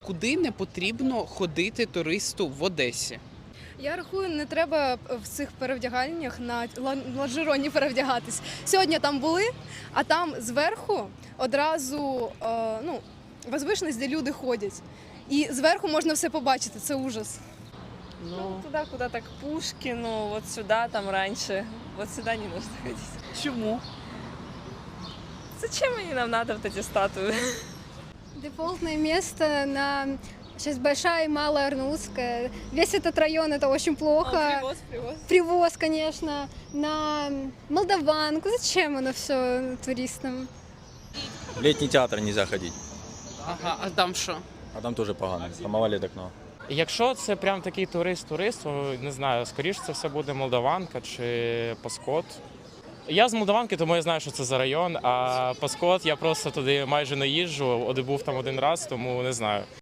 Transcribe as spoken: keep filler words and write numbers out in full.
Куди не потрібно ходити туристу в Одесі? Я рахую, не треба в цих перевдяганнях на лонжероні перевдягатись. Сьогодні там були, а там зверху одразу е, ну, возвишеність, де люди ходять. І зверху можна все побачити, це ужас. Ну, туда, куда так Пушкину, вот сюда, там раньше. Вот сюда не нужно ходить. Чому? Зачем они нам надо, вот эти статуи? Дефолтное место на сейчас Большая и Малая Арнутская. Весь этот район это очень плохо. А, привоз, привоз. Привоз, конечно, на Молдаванку. Зачем оно все туристам? В летний театр нельзя ходить, Ага, а там що? а там тоже погано, там овалит окно. Якщо це прям такий турист-турист, то, не знаю, скоріше це все буде Молдаванка чи Паскот. Я з Молдаванки, тому я знаю, що це за район, а Паскот я просто туди майже не їжджу, був там один раз, тому не знаю.